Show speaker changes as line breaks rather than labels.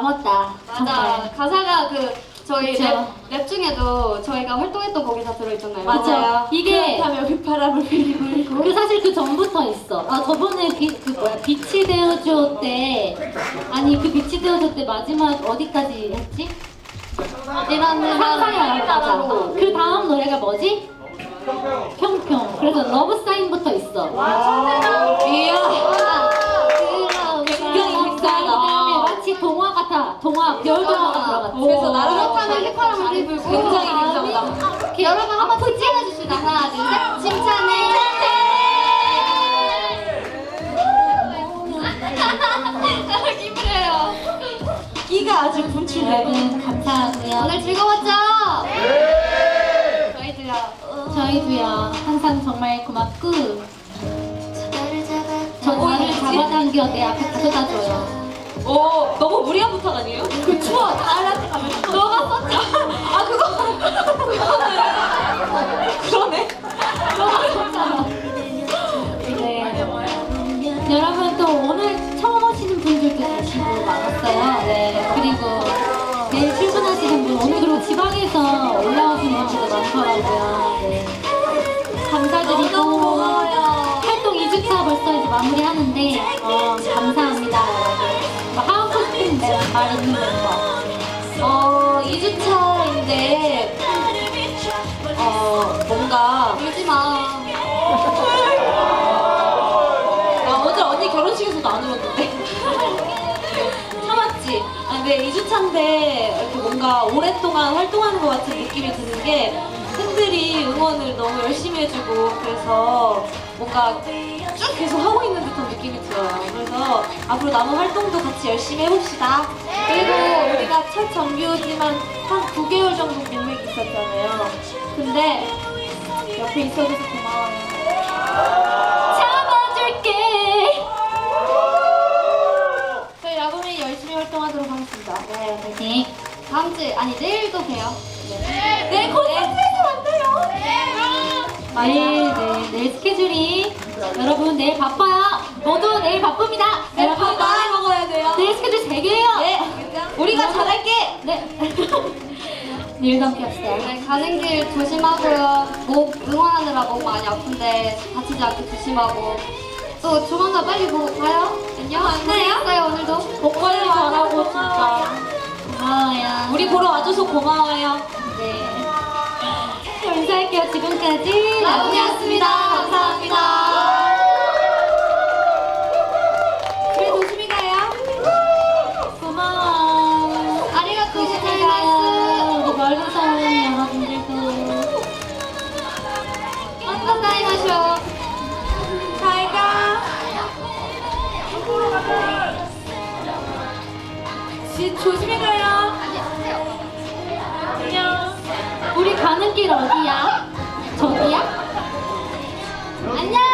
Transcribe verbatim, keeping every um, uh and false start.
남았다.
맞아.
정말.
가사가 그 저희
그쵸.
랩, 랩 중에도 저희가 활동했던 곡이 다 들어있잖아요.
맞아요. 이게
그렇다면 휘파람을 불고
그 사실 그 전부터 있어. 아 저번에 비, 그 뭐야 빛이 되어줘 때 아니 그 빛이 되어줘 때 마지막 어디까지 했지?
이라는
상상이야. 맞아. 그 다음 노래가 뭐지? 평평. 그래서 러브 사인부터 있어.
이야.
굉장히 그다음에 마치 동화 같아. 동화 별 동화가 들어갔지.
그래서 나를 그렇다면 휘파람을 불고 굉장히 굉장하다.
이렇게
여러분 한번 푹 찍어주시다. 하나 둘 셋. 칭찬해. 기분해요.
끼가 아주 분출해. 여러분 감사하고요.
오늘 즐거웠죠? 네. 저희도요.
저희도요. 항상 정말 고맙고 저 나를 잡아당겨 내 앞에 가져다줘요.
오, 너무 무리한 부탁 아니에요? 그 추워, 나한테 가면 너가 썼죠? 아, 그거, 그거는. 그러네.
너가 썼잖아. 네. 여러분 또 오늘 처음 오시는 분들도 계시고 많았어요. 네. 그리고 내일 출근하시는 분, 오늘 그리고 지방에서 올라오시는 분들도 많더라고요. 네. 감사드리고
고마워요.
활동 이 주차 벌써 이제 마무리하는데 어, 감사합니다 여러분. 뭐 하고 싶은 말 있는 거.
어, 이 주차인데, 어, 뭔가. 울지 마. 나 어제 언니 결혼식에서도 안 울었는데. 참았지? 아, 근데 이 주차인데, 이렇게 뭔가 오랫동안 활동하는 것 같은 느낌이 드는 게, 팬들이 응원을 너무 열심히 해주고, 그래서 뭔가 쭉 계속 하고 있는 듯한 느낌이 들어요. 그래서 앞으로 남은 활동도 같이 열심히 해봅시다. 그리고 우리가 첫 정규지만 한 구 개월 정도 공백이 있었잖아요. 근데 옆에 있어줘서 고마워요.
잡아줄게.
저희 라붐이 열심히 활동하도록 하겠습니다.
네, 파이팅.
다음 주, 아니 내일도 봬요.
네.
네, 콘서트에서 만나요.
내일, 네, 내일 스케줄이 여러분 내일 바빠요. 모두 내일 바쁩니다.
네,
여러분
밥 많이 먹어야 돼요.
내일 스케줄 세 개예요.
네, 우리가 잘할게.
네. 내일도 함께 합시다.
네, 가는 길 조심하고요. 목 응원하느라 목 많이 아픈데 다치지 않게 조심하고 또 조만간 빨리 보고 가요. 안녕. 만나요. 오늘도
복 관리 잘하고 진짜 고마워요.
우리 보러 와줘서 고마워요.
네. 인사할게요. 지금까지
라붐이었습니다. 감사합니다. 그래 조심히 가요.
고마워.
아리가또
조심히 가요. 우리 멀리서 오는 여러분들도
완전 사인하셔. 잘 가. 지 조심히 가요. 안녕.
우리 가는 길 어디야? 저기야?
안녕.